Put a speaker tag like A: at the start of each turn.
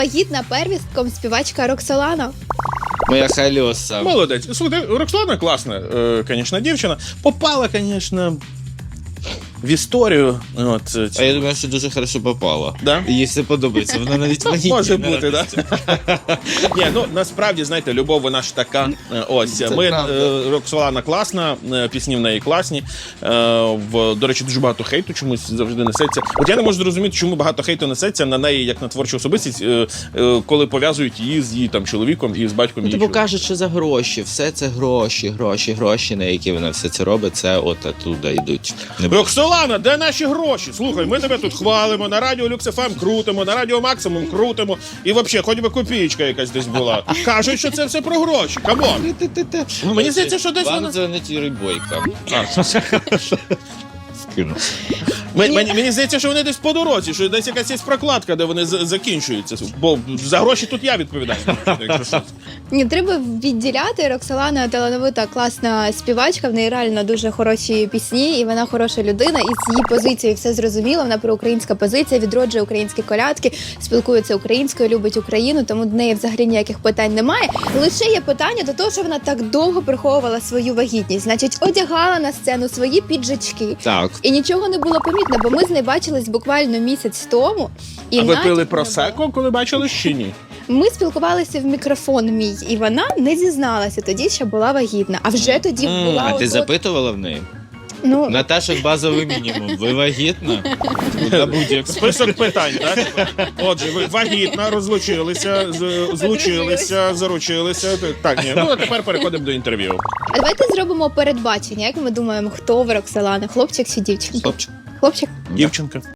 A: Вагітна первістком співачка Роксолана.
B: Моя Хальоса.
C: Молодець. Слухайте, Роксолана класна, звісно, дівчина. Попала, звісно, в історію. От,
B: А я думаю, що дуже хорошо попала.
C: Да?
B: Їй все подобається. Вона навіть вагітна.
C: Може бути, так? Ні, ну насправді, знаєте, любов вона ж така. Ось, Роксолана класна, пісні в неї класні. До речі, дуже багато хейту чомусь завжди несеться. От я не можу зрозуміти, чому багато хейту несеться на неї, як на творчу особистість, коли пов'язують її з її там чоловіком і з батьком її.
B: Тобі кажуть, що за гроші. Все це гроші, на які вона все це робить, це от оттуда йдуть.
C: Роксолана, де наші гроші? Слухай, ми тебе тут хвалимо, на радіо Люкс ФМ крутимо, на радіо Максимум крутимо. І взагалі, хоч би копієчка якась десь була. Кажуть, що це все про гроші. Камон. Ну, мені здається, що десь
B: Вам
C: вона...
B: дзвонить Юрій Бойко. Скину.
C: Мені здається, що вони десь по дорозі, що десь якась є прокладка, де вони закінчуються. Бо за гроші тут я відповідаю. Якщо що.
A: Ні, треба відділяти. Роксолана талановита, класна співачка, в неї реально дуже хороші пісні, і вона хороша людина, і з її позицією все зрозуміло, вона проукраїнська позиція, відроджує українські колядки, спілкується українською, любить Україну, тому до неї взагалі ніяких питань немає. Лише є питання до того, що вона так довго приховувала свою вагітність, значить, одягала на сцену свої піджачки.
B: Так.
A: І нічого не було помітно, бо ми з нею бачились буквально місяць тому. І
C: А ви
A: натяку
C: пили
A: не
C: просеко, коли бачили чи ні?
A: Ми спілкувалися в мікрофон мій, і вона не зізналася тоді, що була вагітна. А вже тоді була...
B: А ти
A: от-
B: запитувала в неї?
A: Ну,
B: Наташа, базовий мінімум. Ви вагітна? На будь-яку.
C: Список питань, так? Отже, ви вагітна, розлучилися, злучилися, заручилися. Так, ні. Ну, а тепер переходимо до інтерв'ю.
A: а давайте зробимо передбачення. Як ми думаємо, хто в Роксолани? Хлопчик чи дівчинка?
B: Хлопчик.
A: Хлопчик?
C: Дівчинка.